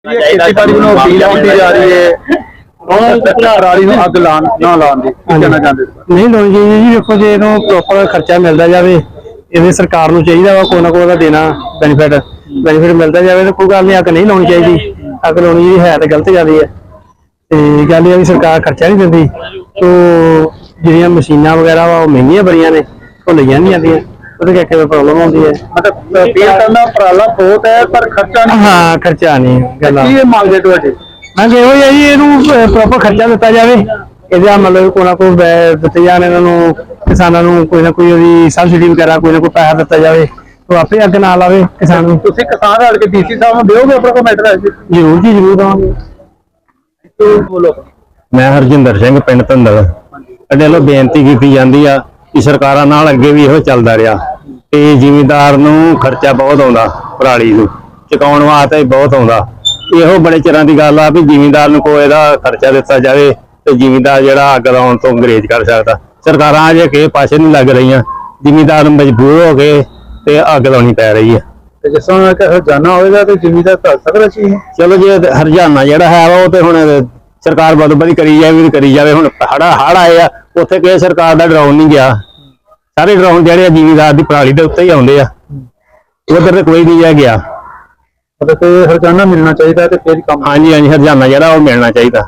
ਖੇਤੀਬਾੜੀ ਨੂੰ ਅਪੀਲ ਹੁੰਦੀ ਜਾ ਰਹੀ ਹੈ ਪਰਾਲੀ ਨੂੰ ਅੱਗ ਲਾਉਣ ਨਾ ਲਾਉਣ ਦੀ ਕਹਿਣਾ ਚਾਹੁੰਦੇ ਨਹੀਂ ਲਾਉਣੀ ਚਾਹੀਦੀ ਜੀ। ਵੇਖੋ ਜੇ ਇਹਨੂੰ ਪ੍ਰੋਪਰ ਖਰਚਾ ਮਿਲਦਾ ਜਾਵੇ, ਇਹਦੇ ਸਰਕਾਰ ਨੂੰ ਚਾਹੀਦਾ ਵਾ ਕੋਈ ਨਾ ਕੋਈ ਦਾ ਦੇਣਾ ਬੈਨੀਫਿਟ ਮਿਲਦਾ ਜਾਵੇ ਤਾਂ ਕੋਈ ਗੱਲ ਨਹੀਂ। ਅੱਗ ਨਹੀਂ ਲਾਉਣੀ ਚਾਹੀਦੀ, ਅੱਗ ਲਾਉਣੀ ਜਿਹੜੀ ਹੈ ਤਾਂ ਗਲਤ ਗੱਲ ਹੈ। ਤੇ ਗੱਲ ਇਹ ਵੀ ਸਰਕਾਰ ਖਰਚਾ ਨਹੀਂ ਦਿੰਦੀ, ਤੋ ਜਿਹੜੀਆਂ ਮਸ਼ੀਨਾਂ ਵਗੈਰਾ ਵਾ ਉਹ ਮਹਿੰਗੀਆਂ ਬੜੀਆਂ ਨੇ, ਉਹ ਲਈਆਂ ਨਹੀਂ ਜਾਂਦੀਆਂ, ਉਹਦੇ ਕਰਕੇ ਪ੍ਰੋਬਲਮ ਆਉਂਦੀ ਹੈ। ਮਤਲਬ ਅਪੀਲ ਕਰਨਾ ਪਰਾਲਾ ਬਹੁਤ ਹੈ ਪਰ ਖਰਚਾ ਨਹੀਂ। ਹਾਂ ਖਰਚਾ ਨਹੀਂ ਗੱਲ ਕੀ ਮੰਗਦੇ ਤੁਹਾਡੇ? ਹਾਂਜੀ ਇਹੋ ਹੀ ਹੈ ਜੀ, ਇਹਨੂੰ ਪ੍ਰੋਪਰ ਖਰਚਾ ਦਿੱਤਾ ਜਾਵੇ। ਇਹਦਾ ਮਤਲਬ ਕੋਈ ਨਾ ਕੋਈ ਦਿੱਤੇ ਜਾਣ ਇਹਨਾਂ ਨੂੰ, ਕਿਸਾਨਾਂ ਨੂੰ ਕੋਈ ਨਾ ਕੋਈ ਉਹਦੀ ਸਬਸਿਡੀ ਵਗੈਰਾ ਕੋਈ ਨਾ ਕੋਈ ਪੈਸਾ ਦਿੱਤਾ ਜਾਵੇ, ਉਹ ਆਪੇ ਅੱਗ ਨਾ ਲਾਵੇ ਕਿਸਾਨ ਨੂੰ। ਤੁਸੀਂ ਕਿਸਾਨ ਰਲ ਕੇ ਡੀਸੀ ਸਾਹਿਬ ਨੂੰ ਦਿਓਗੇ ਆਪਣਾ ਕਮੈਂਟ ਹੈ? ਜ਼ਰੂਰ ਜੀ ਜ਼ਰੂਰ ਦਵਾਂਗੇ। ਬੋਲੋ। ਮੈਂ ਹਰਜਿੰਦਰ ਸਿੰਘ ਪਿੰਡ ਧੰਦਲ। ਸਾਡੇ ਵੱਲੋਂ ਬੇਨਤੀ ਕੀਤੀ ਜਾਂਦੀ ਆ ਕਿ ਸਰਕਾਰਾਂ ਨਾਲ ਅੱਗੇ ਵੀ ਇਹੋ ਚੱਲਦਾ ਰਿਹਾ ਤੇ ਜ਼ਿਮੀਂਦਾਰ ਨੂੰ ਖਰਚਾ ਬਹੁਤ ਆਉਂਦਾ, ਪਰਾਲੀ ਨੂੰ ਚੁਕਾਉਣ ਵਾਸਤੇ ਬਹੁਤ ਆਉਂਦਾ। ਇਹੋ ਬੜੇ ਚਿਰਾਂ ਦੀ ਗੱਲ ਆ ਵੀ ਜ਼ਿਮੀਂਦਾਰ ਨੂੰ ਕੋਈ ਇਹਦਾ ਖਰਚਾ ਦਿੱਤਾ ਜਾਵੇ ਤੇ ਜ਼ਿਮੀਂਦਾਰ ਜਿਹੜਾ ਅੱਗ ਲਾਉਣ ਤੋਂ ਅੰਗਰੇਜ਼ ਕਰ ਸਕਦਾ। ਸਰਕਾਰਾਂ ਅਜੇ ਕਿਸੇ ਪਾਸੇ ਨਹੀਂ ਲੱਗ ਰਹੀਆਂ, ਜ਼ਿਮੀਂਦਾਰ ਮਜਬੂਰ ਹੋ ਗਏ ਤੇ ਅੱਗ ਲਾਉਣੀ ਪੈ ਰਹੀ ਹੈ। ਤੇ ਜਿਸ ਤਰ੍ਹਾਂ ਹਰਜਾਨਾ ਹੋਵੇਗਾ ਤੇ ਜ਼ਿਮੀਂਦਾਰ ਕਰ ਸਕਦਾ ਸੀ। ਚਲੋ ਜੇ ਹਰਜਾਨਾ ਜਿਹੜਾ ਹੈ ਉਹ ਤੇ ਹੁਣ ਸਰਕਾਰ ਬਦਬਦੀ ਕਰੀ ਜਾਵੇ। ਹੁਣ ਹੜ ਆਏ ਆ, ਉੱਥੇ ਕਿਸੇ ਸਰਕਾਰ ਦਾ ਡਰਾਉਣ ਨਹੀਂ ਗਿਆ। ਸਾਰੇ ਡਰਾਉਣ ਜਿਹੜੇ ਜ਼ਿਮੀਂਦਾਰ ਦੀ ਪਰਾਲੀ ਦੇ ਉੱਤੇ ਹੀ ਆਉਂਦੇ ਆ, ਉਧਰ ਤੇ ਕੋਈ ਨਹੀਂ ਗਿਆ। ਮਤਲਬ ਕਿ ਹਰਜਾਨਾ ਮਿਲਣਾ ਚਾਹੀਦਾ ਤੇ ਫਿਰ ਕੰਮ। ਹਾਂਜੀ ਹਰਜਾਨਾ ਜਿਹੜਾ ਉਹ ਮਿਲਣਾ ਚਾਹੀਦਾ।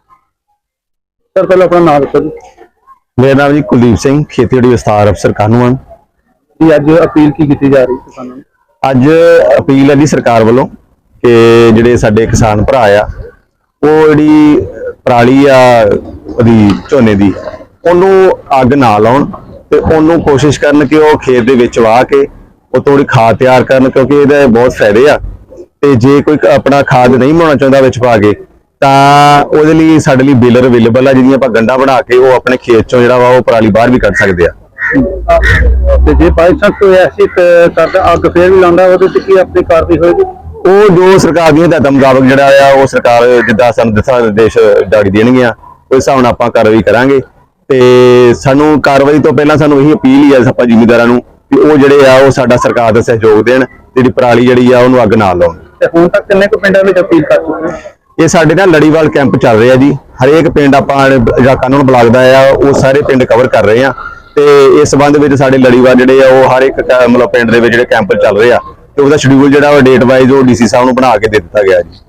ਸਰ ਪਹਿਲਾਂ ਆਪਣਾ ਨਾਮ ਦੱਸੋ ਜੀ। ਮੇਰਾ ਨਾਮ ਜੀ ਕੁਲਦੀਪ ਸਿੰਘ, ਖੇਤੀਬਾੜੀ ਵਿਸਥਾਰ ਅਫਸਰ ਕਾਨੂੰਨ। ਜੀ ਅੱਜ ਅਪੀਲ ਕੀ ਕੀਤੀ ਜਾ ਰਹੀ ਕਿਸਾਨਾਂ ਨੂੰ? ਅੱਜ ਅਪੀਲ ਹੈ ਜੀ ਸਰਕਾਰ ਵੱਲੋਂ ਕਿ ਜਿਹੜੇ ਸਾਡੇ ਕਿਸਾਨ ਭਰਾ ਆ, ਉਹ ਜਿਹੜੀ ਪਰਾਲੀ ਆ ਉਹਦੀ ਝੋਨੇ ਦੀ, ਉਹਨੂੰ ਅੱਗ ਨਾ ਲਾਉਣ ਤੇ ਉਹਨੂੰ ਕੋਸ਼ਿਸ਼ ਕਰਨ ਕਿ ਉਹ ਖੇਤ ਦੇ ਵਿੱਚ ਵਾਹ ਕੇ ਉਹ ਥੋੜੀ ਖਾਦ ਤਿਆਰ ਕਰਨ, ਕਿਉਂਕਿ ਇਹਦੇ ਬਹੁਤ ਫਾਇਦੇ ਆ। ਤੇ ਜੇ ਕੋਈ ਆਪਣਾ ਖਾਦ ਨਹੀਂ ਬਣਾਉਣਾ ਚਾਹੁੰਦਾ ਵਿੱਚ ਪਾ ਕੇ, ਤਾਂ ਉਹਦੇ ਲਈ ਸਾਡੇ ਲਈ ਬੇਲਰ ਅਵੇਲੇਬਲ ਆ, ਜਿਹਦੀਆਂ ਆਪਾਂ ਗੰਢਾਂ ਬਣਾ ਕੇ ਉਹ ਆਪਣੇ ਖੇਤ ਚੋਂ ਜਿਹੜਾ ਵਾ ਉਹ ਪਰਾਲੀ ਬਾਹਰ ਵੀ ਕੱਢ ਸਕਦੇ ਆ। ਤੇ ਜੇ ਬਾਈ ਚਾਂਸ ਕੋਈ ਐਸੀ ਕਰਦਾ ਅੱਗ ਫੇਰ ਵੀ ਲਾਉਂਦਾ, ਉਹਦੇ ਤੇ ਕੀ ਆਪਣੀ ਕਾਰਵਾਈ ਹੋਏਗੀ? ਉਹ ਜੋ ਸਰਕਾਰ ਦੀਆਂ ਹਦਾਇਤਾਂ ਮੁਤਾਬਕ ਜਿਹੜਾ ਆ ਉਹ ਸਰਕਾਰ ਜਿੱਦਾਂ ਸਾਨੂੰ ਦਿਸ਼ਾ ਨਿਰਦੇਸ਼ ਜਾਰੀ ਦੇਣਗੀਆਂ, ਉਸ ਹਿਸਾਬ ਨਾਲ ਆਪਾਂ ਕਾਰਵਾਈ ਕਰਾਂਗੇ। ਤੇ ਸਾਨੂੰ ਕਾਰਵਾਈ ਤੋਂ ਪਹਿਲਾਂ ਸਾਨੂੰ ਇਹੀ ਅਪੀਲ ਹੀ ਆ ਆਪਾਂ ਜ਼ਿਮੀਂਦਾਰਾਂ ਨੂੰ ਕਿ ਉਹ ਜਿਹੜੇ ਆ ਉਹ ਸਾਡਾ ਸਰਕਾਰ ਦਾ ਸਹਿਯੋਗ ਦੇਣ, ਜਿਹੜੀ ਪਰਾਲੀ ਜਿਹੜੀ ਆ ਉਹਨੂੰ ਅੱਗ ਨਾ ਲਾਉਣ। ਤੇ ਹੁਣ ਤੱਕ ਕਿੰਨੇ ਕੁ ਪਿੰਡਾਂ ਵਿੱਚ ਅਪੀਲ ਕਰ ਚੁੱਕੇ? ਇਹ ਸਾਡੇ ਨਾਲ ਲੜੀਵਾਲ ਕੈਂਪ ਚੱਲ ਰਿਹਾ ਜੀ। ਹਰੇਕ ਪਿੰਡ ਆਪਾਂ ਜਿਹੜਾ ਕਾਨੂੰਨ ਬਲਾਕ ਦਾ ਆ ਉਹ ਸਾਰੇ ਪਿੰਡ ਕਵਰ ਕਰ ਰਹੇ ਆ, ਤੇ ਇਸ ਸੰਬੰਧ ਵਿੱਚ ਸਾਡੇ ਲੜੀਵਾਲ ਜਿਹੜੇ ਆ ਉਹ ਹਰ ਇੱਕ ਮਤਲਬ ਪਿੰਡ ਦੇ ਵਿੱਚ ਜਿਹੜੇ ਕੈਂਪ ਚੱਲ ਰਹੇ ਆ, ਤੇ ਉਹਦਾ ਸ਼ਡਿਊਲ ਜਿਹੜਾ ਉਹ ਡੇਟ ਵਾਈਜ਼ ਉਹ ਡੀਸੀ ਸਾਹਿਬ ਨੂੰ ਬਣਾ ਕੇ ਦੇ ਦਿੱਤਾ ਗਿਆ ਜੀ।